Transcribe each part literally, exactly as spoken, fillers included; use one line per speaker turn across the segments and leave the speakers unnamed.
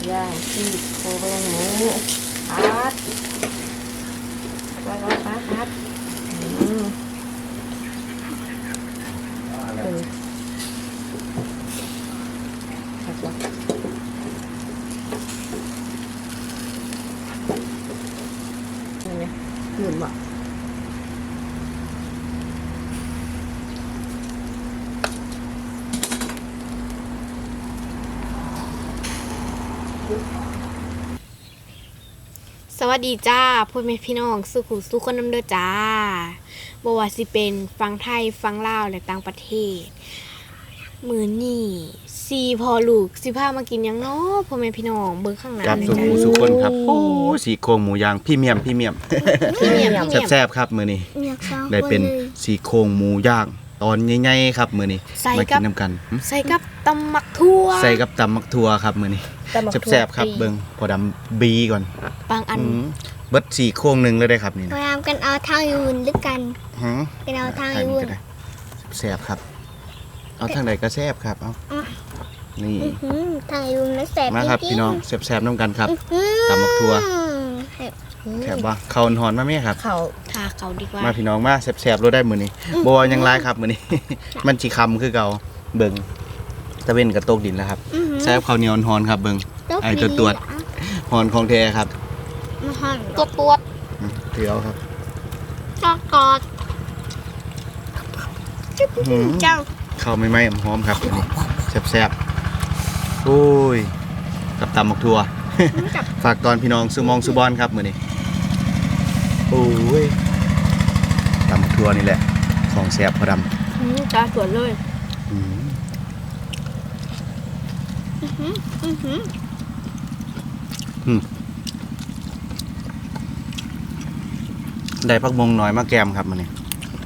ย่างที่โครงหมูพัดพัดพัดพัดพัดอืมเออพัดวะนี่ไงหมุนบ่
สวัสดีจ้าพ่อแม่พี่น้องสุขุสุขคนน้ำเด้อจ้าบ่ว่าสิเป็นฟังไทยฟังลาวและต่างประเทศมื้อนี้ซีพอลูกสิพามากินหยังเนาะพ่อแม่พี่น้องเบิ่งข้างหน้า
ครับ
เลย
สุ
จ้า
ขุสุขคนครับโอ้สีโครงหมูย่างพี่เมียมพี่เมียม
พี่เมียมพี่เมียม
แซ่บๆครับมื้อนี้ได้เป็นสีโครงหมูย่างตอนใหญ่ๆครับมื้อนี้
ใส่
มา
กั
กิ
บ
นนํกันหึ
ใส่กับตำมักทั่ว
ใส่กับตำมักทั่วครับมื้อนี้แซ่บๆครับเบิ่งพอดำบีก่อน
บางอัน
อืมเบิดสีโครงหนึงเลยได้ครับนี่
พ
นะ
ยายามกันเอาทางยืนด้วยกัน
ฮะ
กันเอาทาง
ทาง
ยื
นี้
น
ก็ได้แซ่บครับเอาทางใดก็แซ่บครับเอานี่
อื้อหือทางยืนแล้วแสบ
มาครับ
จงๆ
พี่น้องแซ่บๆนํกันครับ
อื้อ
ตำบักถั่ว
แซ่บ
แซ่บบ่เข้าวหอนมาแม่ครับ
เขา
ทาเขาดีกว่า
มาพี่น้องมาแซ่บๆรสได้มื้อนี้บ่ว่าหยังหลายครับมื้อนี้ มันสิคำคือเก่าเบิ่งตะเว้นกับตกดินแล้วครับ
อื้อหือ
แซ่บข้าวเหนียวหอนครับเบิ่ง
ตุ๊ก
ไอ้ตัวตรวจ หอนของแท้ครับ
มาหัน
ตัวตัว
อืมเถือเอาครับ
ตอกกอด
อื้อหือ
เจ้า
ข้าวไม่ไหม้หอมๆครับอันนี้แซ่บๆโอ้ยกับตำบักทั่ว ฝากตอนพี่น้องสุมองสุบอนครับมื้อนี้โอ้ยตำบักทั่วนี่แหละของแซ่บพอดำ
อืมจ้าสวยเลย
อืม
อื้อหืออื้อหือ
ได้ผักบงน้อยมาแกมครับมื้อนี้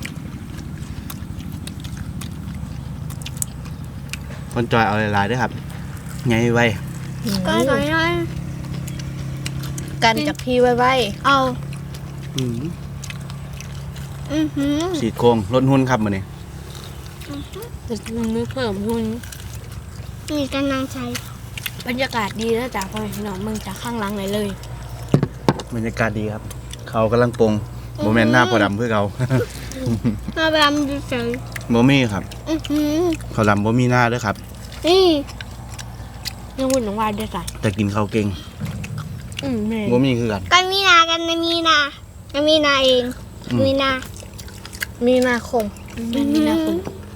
คนจอยเอาหลายๆเด้วยครับไงไว้
ก็หน่อยหน่อย
กันจากพี่ไว้ไว้
เอา
อืม
อื้อหือ
สีโครงลดหุ้นครับมื้อนี้
จะมือเพิ่มหุ่น
มีกำลังใจ
บรรยากาศดีแล้วจ้าพ่อแม่พี่น้องเมืองจากข้างหลังไหนเลย
บรรยากาศดีครับ เขากำลังปรุงบ่แม่นหน้าพอดำคือเขา
มาบำดูเฉย
บ่มีครับ
อื้อหือ
เขาดำบ่มีหน้าเด้อครับ
นี่
ยังวุ่นน้องวายด้วยจ้ะ
แต่กินข้าวเก่ง
อืมแม่
บ่มีคือกัน
กันมีนากันมีนากันมีนาเอง
อืม
มีนา
มีนาคม
แม่นี่นะคุณ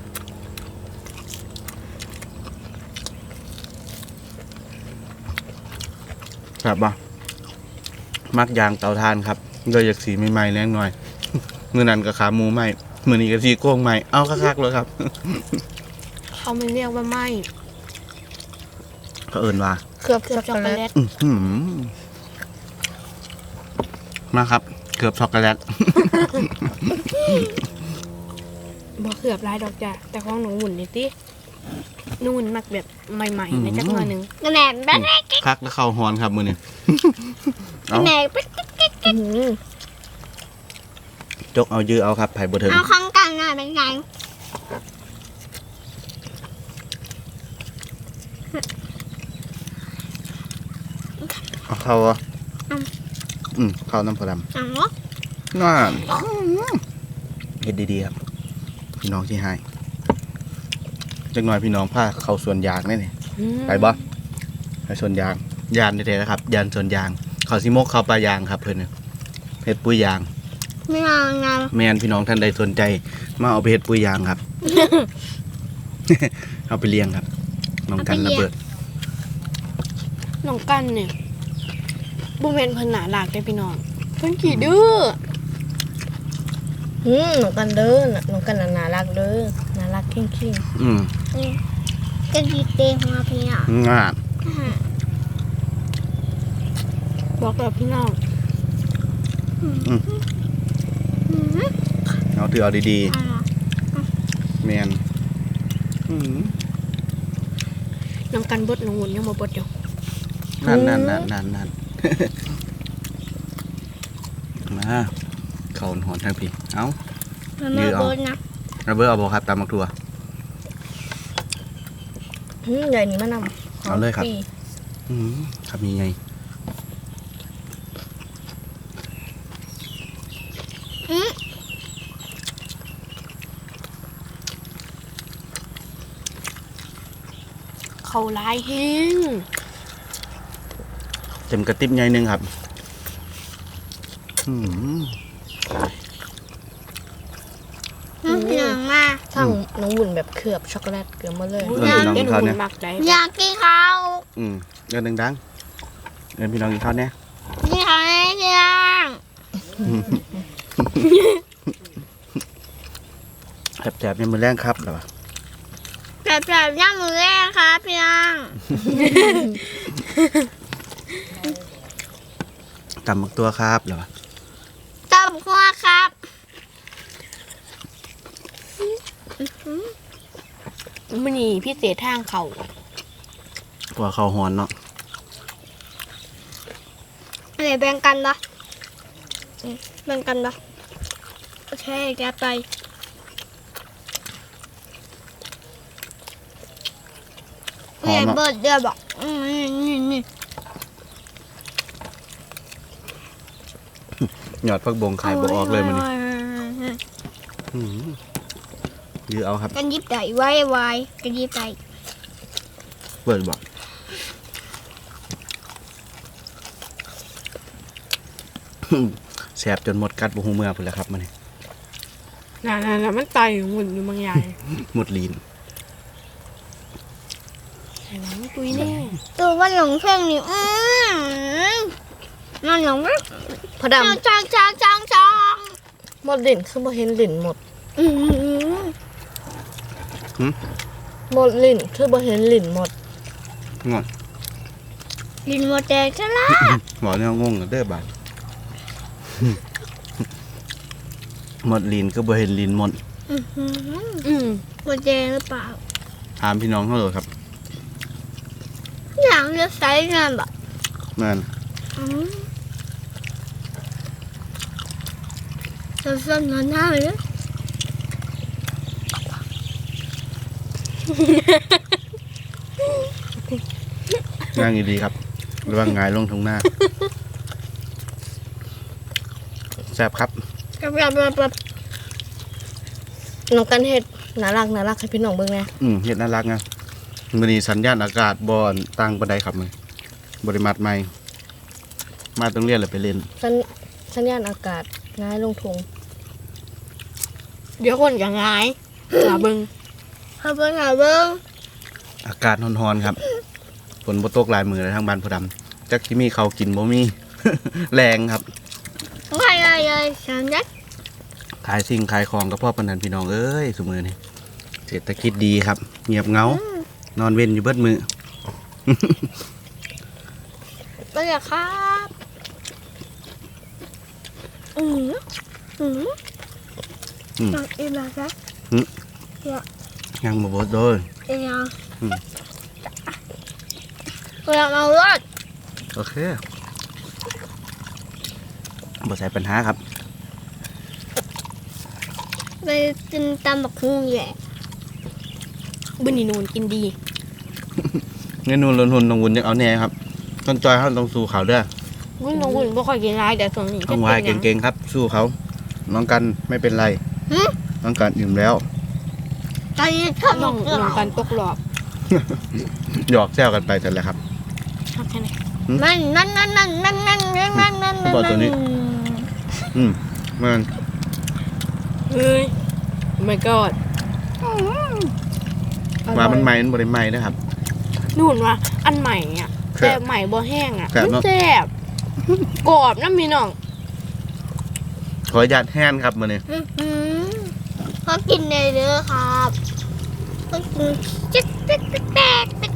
ครับบ่มักยางเตาถ่านครับโดยอยากสีใหม่ๆแรงหน่อย มื้อนั้นก็ขาหมูใหม่มื้อนี้ก็สีโครงใหม่เอาคักๆเลยครับ
เขาไม่เรียกว่าไหม
เขาเอิ้นว่า
เคลือบ
เกือบ
ช็
ช็
อ
อก ก
โก
โก
แล
แล
ต
ต
อื้อหือมาครับเกือบช็อกโกแลต
บอกเกือบลายดอกจ้ะแต่ของหนูหุ่นนี่ตินู่นมักแบบใหม่ๆในจักหน่อยหนึง
กระแหน่แป๊ก
คักแล้วเข้าฮอนครับมื้อนี้
ก
เอา
ระแหน่แป๊ก
อื้อหือ
จกเอายื้อเอาครับไผบ่ถึง
เอาข้างกลางหน่อยเป็นไง
เอาเข้าอ่ะอืมเข้าน้ำพอดำ
อ๋อ
น่าเฮ็ดดีๆครับ พี่น้องที่ให้จักหน่อยพี่น้องพาเข้าสวนยางแน่นี่
อืม
ไปบ่ไปสวนยางยานแท้ๆนะครับยานสวนยางเขาสิมกเข้าปลายางครับเพิ่นน่ะเฮ็ดปุ๋ยยาง
ไม่เอางาน
แม่นพี่น้องท่านใดสนใจ มาเอาไปเฮ็ดปุ๋ยยางครับ เอาไปเลี้ยงครับน้องกันระเบิด
น้องกันเนี่ยบุเมนเพิ่นหนาหลากได้อพี่น้องเพิ่นขี้ดื้อ
หืมหนูกันเด้อน่ะหนูกันน่ะน่ารักเด้อน่ารักเข่ง
อืม
จะดีเตะของเราพี่อ่ะ
งาน
บอกแล้วพี่น้อง
เอาถือเอาดีๆแม่นอืม
น้องกันบดน้องหุ่นยังบ่บดอยู่
นั่นนั่นนั่นนั่นนั่น มาเขาหอนทางพี่เอา
มันมาบนนะ
ระเบิดเอาบ่ครับตามมักทัว
ๆหืมใหญ่นี่มานำ
เอาเลยครับ
ปี
อืมครับยังไง
อืม
เขาลายแห้ง
เต็มกระติบใหญ่หนึงครับอืม
อืมพี่น้องมา
ทั้งน้องวุ่นแบบเคลือบช็อกโกแลตเกลือมาเลย
เอิ้นพี่น้องกินข้าวเนี่ย
มักได้
อยากกินข้าว
อืมเงินดังๆเงินพี่น้องกินข้าวเนี่ย
กินข้าวให้พี่น้อง
แสบๆเนี่ยมือแรงครับเหรอวะ
แบบแบบย่างมือแรกครับพี่น้อง
ตำบักตัวครับเหรอวะ
ต้มคั่วครับ
มันนี่พี่เศษทางเขา
ตัวเขาหอนเนาะ
อะไรแบ่งกันปะอืมแบ่งกันปะโอเคแกไปเรียนเบิร์ดเดียวบอกอืมนี่นี่นี่
หยอดพักบงขายบออกเลยมันนี่อืมยือเอาครับ
กันยิบไก่ไว้ไว้กันยิบไก่
เปิดบอกแสบจนหมดกัดบุหูเมื่อพุ่นแล้วครับมันนี่
น่ะๆๆมันไตอยู่หมุนอยู่บางอย่าง
หมดลีน
ไอ้หลังตุยแน่
ตัวมันหลงเพลงนี่อืมมันหลงไหม
พอ
จอง
ดำ
จองจองจองจอง
หมดลิ่นคือบ่เห็นลิ่นหมด
อืม
หมดลิ่นคือบ่เห็นลิ่นหมด
งอน
ลินโมเดลซะละ
หมอเนี่ยงงกันเด้อบาดหมดลีนก็บ่เห็นลีนหมด
อื้อหือ
อืม
โมเดลหรือเปล่า
ถามพี่น้องเขาเลยครับ
อย่างเลือกไซส์งานแบบ
นั่น
อืมสั้นๆหน้าๆเลย
ง่ายดีครับระวังหงายลงทงหน้าแซ่บครับ
กับแบบแบบแบบ
น้องกันเฮ็ดน่ารักน่ารักให้พี่น้องเบิ่งแหน่
อืมเฮ็ดน่ารักนะมันนี้สัญญาณอากาศบอนตั้งบันไดครับมันบริมัดใหม่มาต้องเรียนหรือไปเล่น
สัญสัญญาณอากาศง่ายลงทุง
เดี๋ยวคนจะงายหาเบิง
ขอบคุณค่ะเบิ้ง
อากาศร้อนๆครับฝนบ่ตกหลายมือเลยทางบ้านพอดำจักที่มีเขาวกินบ่มี แรงครับ
ใครเลยสามยัด
ขายสิ่งขายของกับพ่อปานนันพี่น้องเอ้ยสมือนี่เศรษฐกิจดีครับ เงียบเหงา นอนเว้นอยู่เบิดมือ
ไปเลยครับอืมอืม
อืม
อีกแล้วครับ
ยังบ่เบดโดย
อีกแล้ว
อืม
เราเอารถ
โอเคบ่ใส่ปัญหาครับ
ไปกินตำบักหุ่งแหละ
บึนนี่นูนกินดี
เงินนูนลนหุนตรงวุนยังเอาแน่ครับต้นจอยเขาต้องสู้เขาเด้อ
วุ้นน้องวุ้นบ่ค่อยกินร้ายแต่ส่วนนี้
ต้องวายเก่งๆครับ สู้เขาน้องกันไม่เป็นไรน้องกันอิ่มแล้ว
ตอนนี้ทำ
น้อง
เกลื
น้องกันตกหลอบ
หยอกแซวกันไปแต่นแหละครับ
ทำแค่ไหน
นั่นนั่นนั่นนั่นนั่นนั่นนั่นนั่นนั่น
บอกตัวนี้ อืมมัน
เฮ้ย my god
ว่ามันใหม่มันบ่ได้ใหม่นะครับ
นู่นว่าอันใหม่อ่ะ
แซ่บ
แต่ใหม่บ่แห้งอ่ะ
แซ่บ
มัน
เนอะ
แซ่บกรอบนะพี่น้อง
ขออนุญาตแห้นครับมื้อนี้
เขากินเลยเด้อครับเขากินจิ๊กจิ๊กจิ๊กแตกจิ๊ก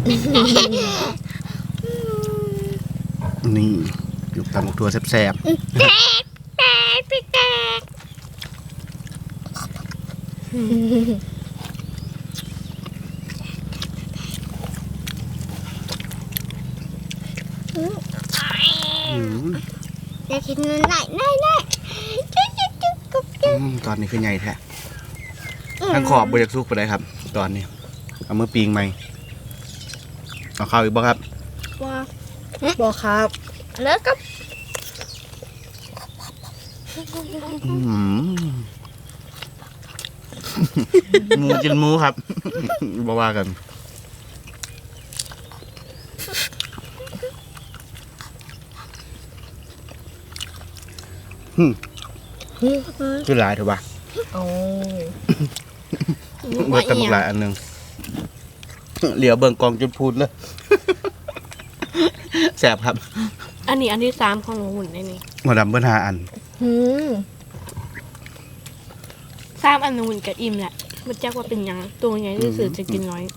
นี่อยู่ตำบักถั่วแซ่บ
แตกแตกจิ๊กแตก
ๆอืม
อยากกินไหนไหนไหนจิ๊กจิ๊กจิ๊กกุ๊กจิ๊ก
อืมตอนนี้คือใหญ่แท้ทั้งขอบบอยากสุกไปได้ครับ ตอนนี้เอามือปีงใหม่เอาเข้าวอีกบ่ครับ
ว่า
บอกครับ
แล้วก็
อืมหมูกินหมูครับ บ่ว่ากันอืมคือหลายเถอะวะ
เอา
เบิดกันหลายอันหนึงเหลียวเบิ่งกองจนพูดเลย แสบครับ
อันนี้อันที่สามของหนูหุ่นในนี้
หมดดำเบิ้ลหาอัน
หืม
สามอันหนูหุ่นกับอิ่มแหละมันจักว่าเป็นหยังตัวใหญ่ที่สุดจะกินน้อย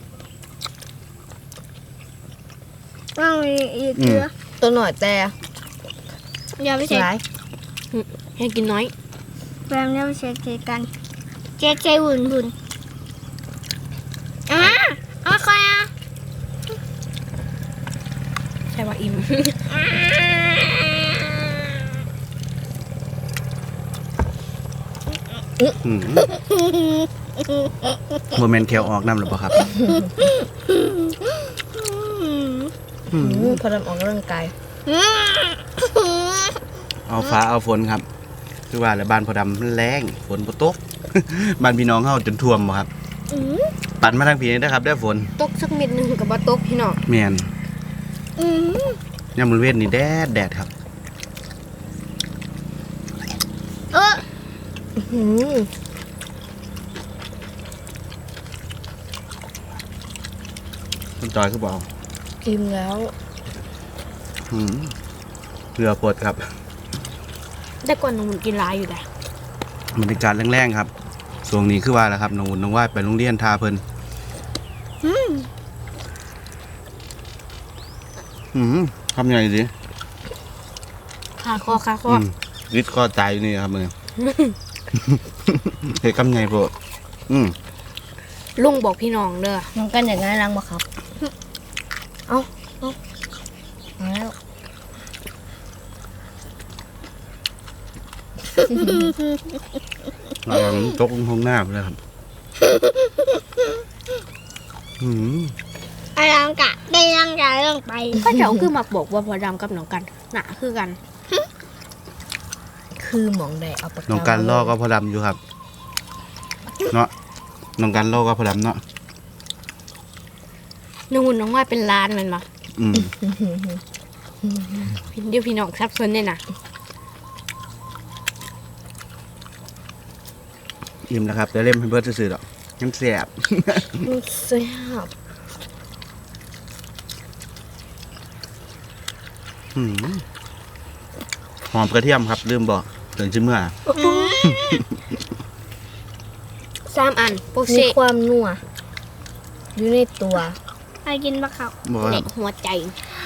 ต้องมีอีกเยอะ
ตัวหน่อยแต่
อย่าไปเช็ค
หลาย
ให้กินน้อย
แฟมอย่าไปเช็คเช็คกันเช็คเช็คหุ่นหุ่นอ่ะเอาใครอ่ะ
ใช่ว่าอิ่ม
อืมโมเมนต์แควออกน้ำหรือเปล่าครับ
หืมพอดำออกกำลังกาย
เอาฟ้าเอาฝนครับ คือว่าแล้วบ้านพอดำมันแรงฝนบ่ตก บ้านพี่น้องเฮาจนท่วมบ่ครับ ปั่นมาทางผีนี่นะครับได้ฝน
ตกสักเม็ดหนึ่งกับบ่ตกพี่น้อง
แม่นยามมื้อเว้นนี่แดดแดดครับ
เออ
หืม
คุณจอยคือบอก
อิ่มแล้ว
อืมเรือปวดครับ
แต่ก่อนหนูหุ่นกินหลายอยู่แต่
บรรยากาศแรงๆครับช่วงนี้คือว่าแล้วครับน้องอุ่นน้องว่ายไปโรงเรียนทาเพิ่นอืมทำยังไงดี
ขาคอขาคอ
อืมริดคอตายอยู่นี่ครับมึง เฮ้ยกำไงโปรดอืม
ลุงบอกพี่น้องเด้อ
น้องกันอย่างนั้นรังบ่ครับ เอาเอาเอาแล้ว
ระวังตกลงห้องน้ำเลยครับ อืม
ไอ้ร่างกะได้ร่างกายลงไป
ก็เจ้าคือมาบอกว่าพอดำกับน้องกันหนาคือกัน
คือหมองใดเอาปากกา
น้องการล่อก็พอดำอยู่ครับ เนาะน้องการล่อก็พอดำเนาะ
หนูหุ่นน้องว่าเป็นล้านแมันบ่
อืม
เดี๋ยวพี่น้องซับซ้อนเนี่ยนะ
อิ่มแล้วครับแต่เล่มให้เบิร์ดซื่อๆดอกยังแสบ
เสียบ
อืมหอมกระเทียมครับลืมบอกถึงชิมเมื่อ
สามอันโปก
มี
เซ่
ความนัวอยู่ในตัว
ไปกินปลาเขา
บอกว่า
เด็กหัวใจ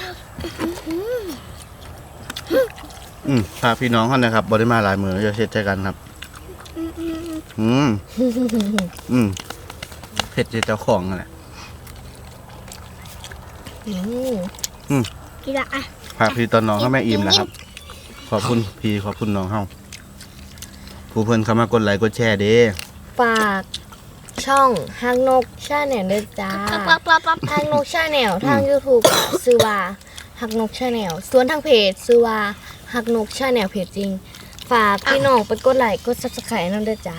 อืมพาพี่น้องเขานะครับบริมาหลายมือจะเช็ดใจกันครับ อืม อืมเผ็ดใจเจ้าของนั่นแหละ
อืม
กินละอ่ะ
พาพี่ตอนน้องเขาแม่อิ่มแล้วครับ ขอบคุณพี่ขอบคุณน้องเขาผู้เพิ่นเข้ามากดไลค์กดแชร์เด้
ฝากช่องฮักนกชาแนลด้วยจ้า
ปั๊บปั๊บปั๊บ
ฮักนกชาแนลทาง YouTube ซื้อว่าฮักนกชาแนลส่วนทางเพจซื้อว่าฮักนกชาแนลเพจจริง ฝากพี่น้องไปกดไลค์กด Subscribe นั่นด้วยจ้า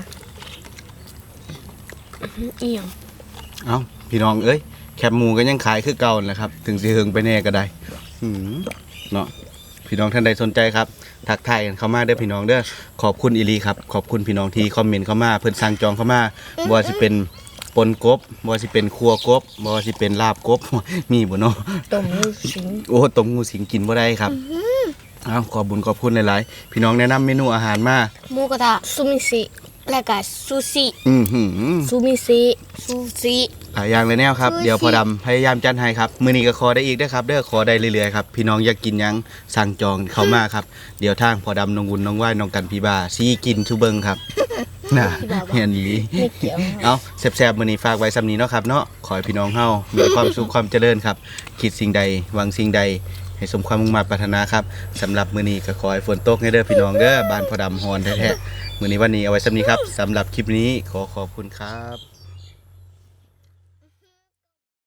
เอี่ยม
เอ้าพี่น้องเอ้ยแคบหมูก็ยังขายคือเก่าแหละครับ ถึงสิเฮิงไปแน่ก็ได้อืมเนาะพี่น้องท่านใดสนใจครับทักทายกันเข้ามาเด้อพี่น้องเด้อขอบคุณอีหลีครับขอบคุณพี่น้องที่คอมเมนต์เข้ามาเพิ่นสั่งจองเข้ามาบ่ว่าสิเป็นปนกบบ่ว่าสิเป็นครัวกบบ่ว่าสิเป็นลาบกบ มีบ่เนาะ
ต้มลูกชิ้น
โอ้ต้มงูสิงกินบ่ได้ครับเอ้าขอบบุญขอบคุณหลายๆพี่น้องแนะนำเมนูอาหารมา
หมูกระทะ
ซูมิซิ
และก็ซูชิ
อือหือ
ซูมิซิ
ซูชิ
หลายอย่างเลยแนวครับ เดี๋ยวพอดำพยายามจัดให้ครับ มือนี้ก็ขอได้อีกได้อครับ เด้อขอได้เรื่อยๆครับ พี่น้องอยากกินหยังสั่งจองเข้ามาครับ เดี๋ยวทางพอดำน้องวุ้นน้องว่ายน้องกันพี่บาซีกินชูเบิงครับ น่ะเห็นดี
ไม่เกี่ยว
เอาแซ่บๆมือนี้ฝากไว้สำนี้เนาะครับเนาะขอให้พี่น้องเฮามีความสุขความเจริญครับ คิดสิ่งใดหวังสิ่งใด ให้สมความมุ่งมั่นปรารถนาครับสำหรับมือนี้ก็ขอให้ฝนตกให้เด้อพี่น้องเด้อบ้านพอดำฮอนแท้ๆมือนี้วันนี้เอาไว้สำนี้ครับสำหรับคลิปนี้ขอขอบคุณครับ